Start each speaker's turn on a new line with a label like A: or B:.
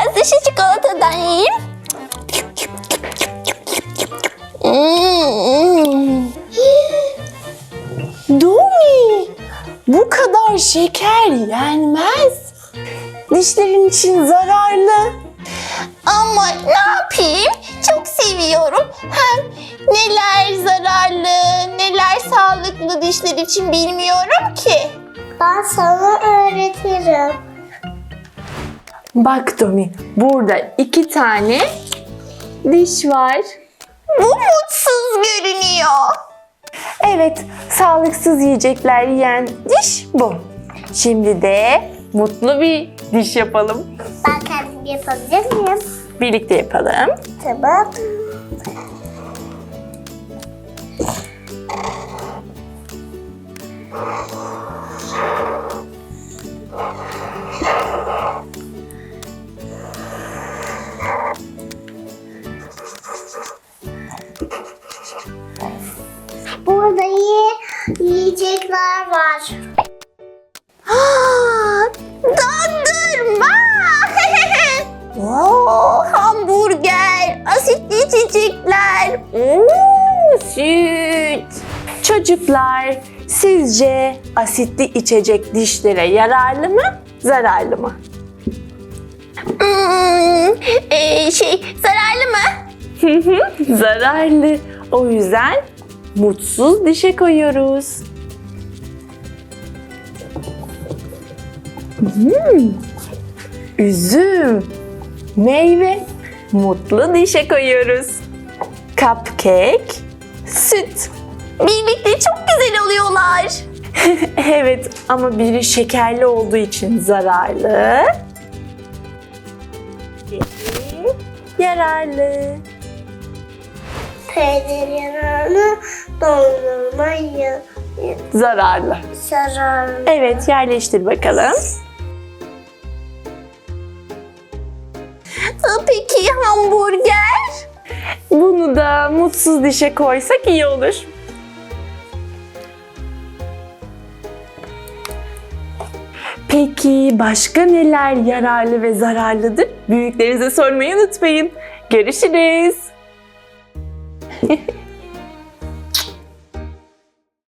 A: biraz da şu çikolatadan yiyeyim.
B: Domi, bu kadar şeker yenmez. Dişlerin için zararlı.
A: Ama ne yapayım? Çok seviyorum. Hem neler zararlı, neler sağlıklı dişler için bilmiyorum ki.
C: Ben sana öğretirim.
B: Bak Domi, burada 2 tane diş var.
A: Bu mutsuz görünüyor.
B: Evet, sağlıksız yiyecekler yiyen diş bu. Şimdi de mutlu bir diş yapalım.
C: Ben kendim yapabilir miyim?
B: Birlikte yapalım.
C: Tamam. Burada yiyecekler var.
A: Dondurma! Hamburger, asitli içecekler, süt.
B: Çocuklar, sizce asitli içecek dişlere yararlı mı, zararlı mı?
A: Zararlı mı?
B: Zararlı. O yüzden mutsuz dişe koyuyoruz. Üzüm, meyve, mutlu dişe koyuyoruz. Cupcake, süt.
A: Birlikte çok güzel oluyorlar.
B: Evet ama biri şekerli olduğu için zararlı. Biri yararlı.
C: Peynir yararlı, dondurma
B: Zararlı.
C: zararlı.
B: Evet, yerleştir bakalım.
A: Peki hamburger?
B: Bunu da mutsuz dişe koysak iyi olur. Peki başka neler yararlı ve zararlıdır? Büyüklerinize sormayı unutmayın. Görüşürüz.